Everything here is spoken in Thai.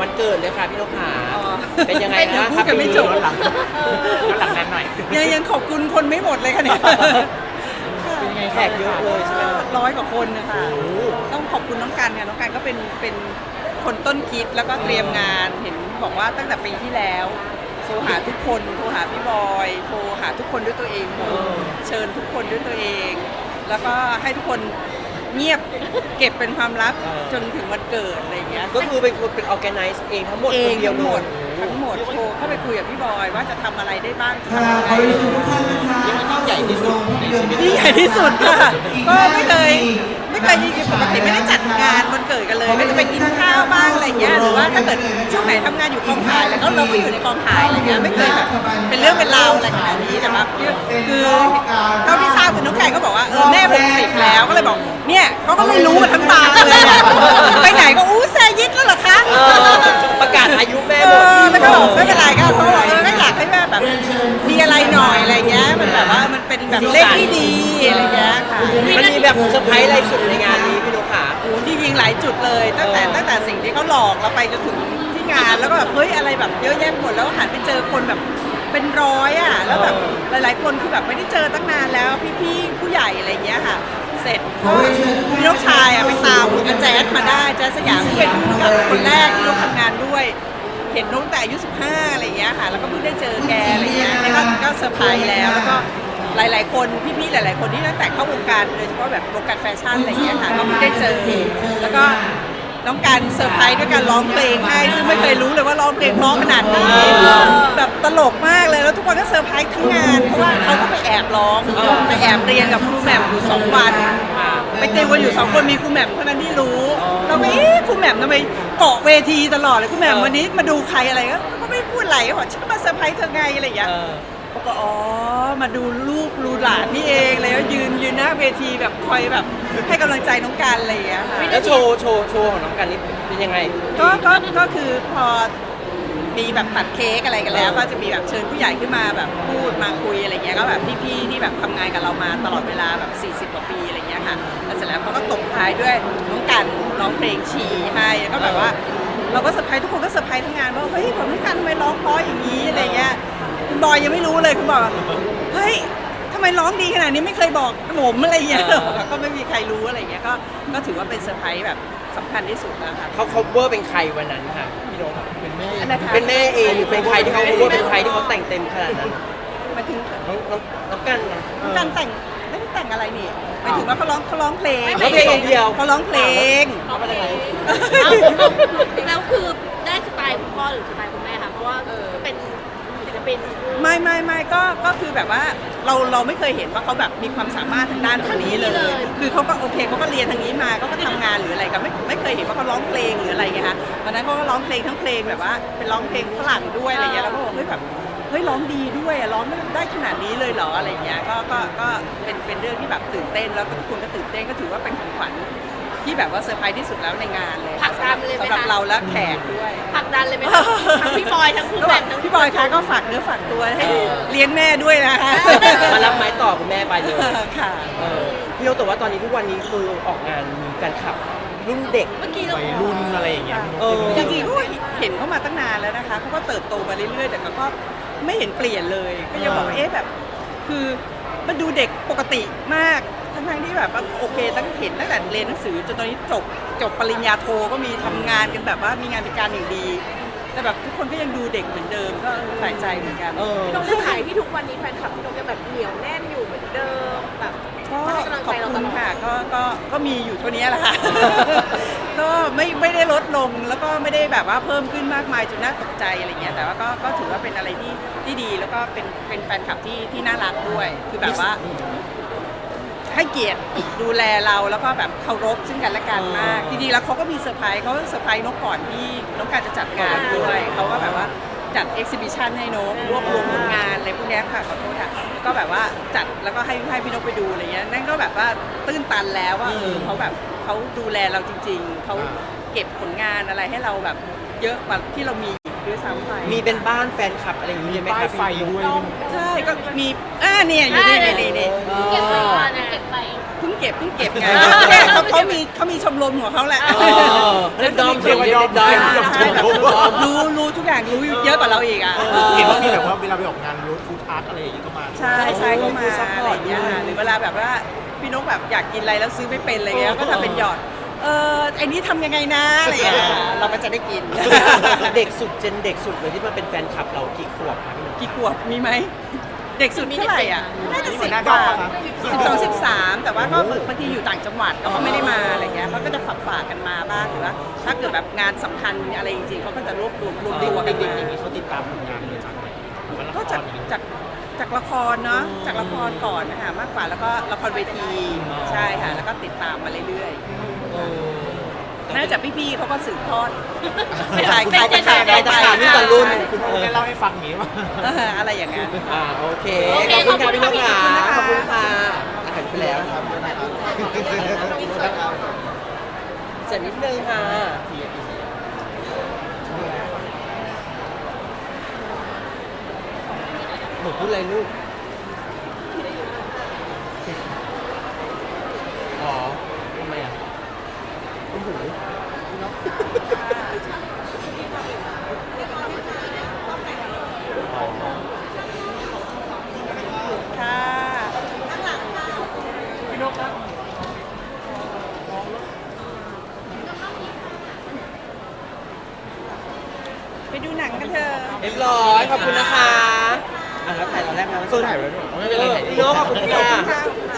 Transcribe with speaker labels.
Speaker 1: วันเกิดเลยค่ะพี่นกขา
Speaker 2: อ๋อ
Speaker 1: เป็นยังไง
Speaker 2: ยั
Speaker 1: บ้าง
Speaker 2: พู
Speaker 1: ครั
Speaker 2: ด
Speaker 1: บ
Speaker 2: กันไม่จบ
Speaker 1: ย้อนหลังนั้นหน่อย
Speaker 2: ยังขอบคุณคนไม่หมดเลยค่ะเนี่ย
Speaker 1: เป็นยังไงแขกเยอะเลยใช่ไหมครับ
Speaker 2: 100 กว่าคนนะคะต้องขอบคุณน้องกันค่ะน้องกันก็เป็นคนต้นคิดแล้วก็เตรียมงานเห็นบอกว่าตั้งแต่ปีที่แล้วโทรหาทุกคนโทรหาพี่บอยโทรหาทุกคนด้วยตัวเองเชิญทุกคนด้วยตัวเอง แล้วก็ให้ทุกคนเงียบเก็บเป็นความลับจนถึงวันเกิดอะไรอย่างเงี้ย
Speaker 1: ก็คือเป็นคนเป็น organize เองทั้งหมด
Speaker 2: เอ
Speaker 1: ค
Speaker 2: ง
Speaker 1: นเดียว
Speaker 2: ทั้งหมด
Speaker 1: เลย
Speaker 2: ทั้งหมดโทรเข้าไปคุยกับพี่บอยว่าจะทำอะไรได้บ้าง
Speaker 3: ค่ะขอเรียนเชิญทุกท่านนะคะ
Speaker 1: นี่มันยิ่งใหญ่ที่สุดในชีวิต
Speaker 2: นี่ใหญ่ที่สุดค่ะก็ไม่เคยปกติไม่ได้จัดงานวันเกิดกันเลยก็จะไปกินข้าวบ้างอะไรเงี้ยหรือว่าถ้าเกิดช่วงไหนทำงานอยู่กองถ่ายแล้วก็เราก็อยู่ในกองถ่ายอะไรเงี้ยไม่เคยแบบเป็นเรื่องเป็นราวอะไรขนาดนี้แต่ว่าคือเท่าที่ทราบคือน้องไก่ก็บอกว่าแม่60แล้วก็เลยบอกเนี่ยเขาก็ไม่รู้ทั้งบางเลยอะไปไหนก็อู้แซยิดแล้วเหรอคะ
Speaker 1: ประกาศอายุแม่หมด
Speaker 2: แล้วก็บอกไม่เป็นไรก็เขาบอกก็อยากให้แม่แบบมีอะไรหน่อยอะไรเงี้ยมันแบบว่ามันเป็นแบบเลขที่ดีอะไรเงี้ยค่ะ
Speaker 1: มันมีแบบเซอร์ไพรส์อะไรสุดในงานนี้พี่นกขา
Speaker 2: โอ้จริงๆหลายจุดเลยตั้งแต่สิ่งที่เขาหลอกเราไปจนถึงที่งานแล้วก็แบบเฮ้ยอะไรแบบเยอะแยะหมดแล้วหันไปเจอคนแบบเป็นร้อยอ่ะแล้วแบบหลายๆคนคือแบบไม่ได้เจอตั้งนานแล้วพี่ๆผู้ใหญ่อะไรเงี้ยค่ะเสร็จก็พี่น้องชายอ่ะไปตามอาแจ๊สมาได้แจ๊สสยามที่เป็นผู้กับคนแรกที่เราทำงานด้วย เห็นน้องแต่อายุ15อะไรเงี้ยค่ะแล้วก็เพิ่งได้เจอแกอะไรเงี้ยนี่ก็เซอร์ไพรส์แล้วก็หลายๆคนพี่ๆหลายๆคนที่ตั้งแต่เข้าวงการโดยเฉพาะแบบวงการแฟชั่นอะไรเงี้ยค่ะก็เพิ่งได้เจอแล้วก็น้องการเซอร์ไพรส์ด้วยการร้องเพลงให้ซึ่งไม่เคยรู้เลยว่าร้องเพลงเพราะขนาดนี้แบบตลกมากเลยแล้วทุกคนก็เซอร์ไพรส์ทั้งงานเพราะว่าเขาก็ไปแอบร้องไปแอบเรียนกับครูแหม่มอยู่2 วันไปเตรียมกันอยู่2 คนมีครูแหม่มเท่านั้นที่รู้เราไม่ครูแหม่มทำไมเกาะเวทีตลอดเลยครูแหม่มวันนี้มาดูใครอะไรก็ไม่พูดอะไรก็บอกฉันก็มาเซอร์ไพรส์เธอไงอะไรอย่างเงี้ยก็อ๋อมาดูลูกดูหลานนี่เองเลยแล้วยืนหน้าเวทีแบบคอยแบบให้กำลังใจน้องกันอะไรอย่างเงี้ยค่ะ
Speaker 1: แล้วโชว์ของน้องกันนี่เป็นยังไง
Speaker 2: ก็คือพอมีแบบตัดเค้กอะไรกันแล้วก็จะมีแบบเชิญผู้ใหญ่ขึ้นมาแบบพูดมาคุยอะไรเงี้ยก็แบบพี่ๆที่แบบทำงานกับเรามาตลอดเวลาแบบ40 กว่าปีอะไรเงี้ยค่ะแล้วเสร็จแล้วเขาก็ตบท้ายด้วยน้องกันร้องเพลงชีให้แล้วก็แบบว่าเราก็เซอร์ไพรส์ทุกคนก็เซอร์ไพรส์ทั้งงานว่าเฮ้ยผมน้องกันทำไมร้องเพราะอย่างนี้อะไรเงี้ยคุณบอยยังไม่รู้เลยคุณบอกเฮ้ยทำไมร้องดีขนาดนี้ไม่เคยบอกผมอะไรเงี้ยก็ไม่มีใครรู้อะไรเงี้ยก็ถือว่าเป็นเซอร์ไพรส์แบบสำคัญที่สุดแล้วค่ะ
Speaker 1: เขา cover เป็นใครวันนั้นค่ะพี่นกเป็นแม่
Speaker 2: นะคะ
Speaker 1: เป็นแม่เองหรือเป็นใครที่เขา cover เป็นใครที่เขาแต่งเต็มขนาดนั้น
Speaker 2: หมายถึง
Speaker 1: น้องกันไง
Speaker 2: การแต่งไม่ได้แต่งอะไรนี่หมายถึงว่าเขาร้องเพลง
Speaker 1: ร้องเพลงอย่างเดียว
Speaker 2: เขาร้องเพลง
Speaker 1: เอาไปไหน
Speaker 4: แล้วคือได้สไตล์คุณพ่อหรือสไตล์คุณแม่คะเพราะว่าเป็นศิลปิน
Speaker 2: ไม่ก็คือแบบว่าเราไม่เคยเห็นว่าเขาแบบมีความสามารถทางด้านตรงนี้เลย คือเขาก็โอเคเขาก็เรียนทางนี้มาเขาก็ทำงานหรืออะไรก็ไม่เคยเห็นว่าเขาร้องเพลงหรืออะไรไงคะวันนั้นเขาก็ร้องเพลงทั้งเพลงแบบว่าเป็นร้องเพลงฝรั่งด้วยอะไรเงี้ยแล้วก็บอกเฮ้ยแบบเฮ้ยร้องดีด้วยอะร้องได้ขนาดนี้เลยเหรออะไรเงี้ยก็เป็นเรื่องที่แบบตื่นเต้นแล้วก็ทุกคนก็ตื่นเต้นก็ถือว่าเป็นของขวัญที่แบบว่าเซอร์ไพรส์ที่สุดแล้วในงานเลย
Speaker 4: ผลักดันเลยไหมคะ
Speaker 2: สำหรับเราและแขกด้วย
Speaker 4: ผลักดันเลยไหมคะทั้งพี่บอยทั้งคุณแม่ทั้ง
Speaker 2: พี่บอยคะก็ฝากเนื้อฝากตัวให้เลี้ยงแม่ด้วยนะคะ
Speaker 1: มารับไม้ต่อคุณแม่ไปเลย
Speaker 2: ค่ะ
Speaker 1: พี่นกแต่ว่าตอนนี้ทุกวันนี้คือออกงานมีแฟนคลับรุ่นเด็ก
Speaker 4: เมื่อกี้เรา
Speaker 1: วัยรุ่นอะไรอย่างเงี้ย
Speaker 2: จริงๆก็เห็นเขามาตั้งนานแล้วนะคะเขาก็เติบโตมาเรื่อยๆแต่ก็ไม่เห็นเปลี่ยนเลย ก็ยังบอกว่าแบบคือมันดูเด็กปกติมากทั้งที่แบบว่าโอเคตั้งเห็นตั้งแต่เรียนหนังสือจนตอนนี้จบปริญญาโทก็มีทำงานกันแบบว่ามีงานเป็นการอย่างดี แต่แบบทุกคนก็ยังดูเด็กเหมือนเดิมก็แปลกใจเหมือนกัน
Speaker 4: พี่นกได้ถ่ายที่ทุกวันนี้แฟนคลับพี่นกยังแบบเหนียวแน่นอยู่เหมือนเดิมแบบ
Speaker 2: ก็
Speaker 4: ให้กำลัง
Speaker 2: ขอ
Speaker 4: ใจ
Speaker 2: บ
Speaker 4: เราต
Speaker 2: คุณ
Speaker 4: ลอด
Speaker 2: ค่ะก็มีอยู่เท่านี้แหละค่ะ ก็ไม่ได้ลดลงแล้วก็ไม่ได้แบบว่าเพิ่มขึ้นมากมายจนน่าตกใจอะไรเงี้ยแต่ว่าก็ถือว่าเป็นอะไรที่ดีแล้วก็เป็นแฟนคลับที่น่ารักด้วยคือแบบว่า ให้เกียรติดูแลเราแล้วก็แบบเคารพซึ่งกันและกันมากจริงๆแล้วเขาก็มีเซอร์ไพรส์เขาเซอร์ไพรส์นกก่อนที่น้องการจะจัดงานด้วยเขาก็แบบว่าจัดเอ็กซิบิชันให้นกรวบรวมผลงานอะไรพวกเนี้ยค่ะขอโทษค่ะก็แบบว่าจัดแล้วก็ให้พี่นกไปดูอะไรเงี้ยนั่นก็แบบว่าตื้นตันแล้วว่าเขาแบบเขาดูแลเราจริงๆเขาเก็บผลงานอะไรให้เราแบบเยอะกว่าที่เรามีด้วยซ้ำไป
Speaker 1: มีเป็นบ้านแฟนคลับอะไรอย่างเงี้ยไหมครับไฟด้วย
Speaker 2: ใช่ก็มีเนี่ยอยู่นี่
Speaker 4: เก็บไว้ก่อนนะเก็บไป
Speaker 2: เพิ่งเก็บไงเนี่ยเขามีชมรมของเขาแหละ
Speaker 1: เล่นดอมเรียกว่าดอม
Speaker 2: ใช่แบบรู้ทุกอย่างรู้เยอะกว่าเราอีกอ่ะ
Speaker 3: เห็นว่ามีแบบว่าเวลาไปออกงานรถฟู้ดทรัคอะไรอย่างงี้ก็มา
Speaker 2: ใช่ก็มาอะไรอย่างเงี้ยค่ะหรือเวลาแบบว่าพี่นกแบบอยากกินอะไรแล้วซื้อไม่เป็นอะไรเงี้ยก็ทำเป็นหยอดไอ้นี้ทำยังไงนะอะไรอย่างเงี้ยเราก็จะได้กิน
Speaker 1: เด็กสุดเจนเด็กสุดเลยที่มาเป็นแฟนคลับเรากี่ขวบคะพี่นก
Speaker 2: กี่ขวบมีไหมเด็กสุดเท่าไหร่อ่ะน่าจะ10 กว่า12 13แต่ว่าก็บางทีอยู่ต่างจังหวัดก็ไม่ได้มาอะไรเงี้ยเขาก็จะฝากกันมาบ้างหรือว่าถ้าเกิดแบบงานสำคัญอะไรจริงๆเขาก็จะรวบตัวกัน
Speaker 3: เด็กๆ
Speaker 2: มา
Speaker 3: อย่างนี้เขาติดตามผลงานเลยจากไหนหรือว่าละ
Speaker 2: ก็
Speaker 3: คร
Speaker 2: จากละครเนาะจากละครก่อนนะคะมากกว่าแล้วก็ละครเวทีใช่ค่ะแล้วก็ติดตามมาเรื่อยๆน่าจะพี่ๆเขาก็สืบทอดขาย
Speaker 1: ได้ตามรุ่นต่อรุ่น
Speaker 3: คุณพ่อได้เล่าให้ฟังอย่างนี้ว่า
Speaker 2: อะไรอย่างเงี้ย
Speaker 1: โอเคขอบคุณค่ะพี่นกค่ะขอบคุณค่ะอาหารไปแล้วเสร็จนิดนึงค่ะหนูพูดอะไรลูกอ๋อทำไมอ่ะโอ้โห
Speaker 2: ค่ะไปดูหนังกันเถอะ
Speaker 1: เรียบร้อยขอบคุณนะคะแล้วถ่ายตอนแรกแล้ว
Speaker 3: ถ่ายไว้ด้วยไม่เป็นไร
Speaker 1: พี่โน้ขอบคุณค่ะ
Speaker 2: ค่ะ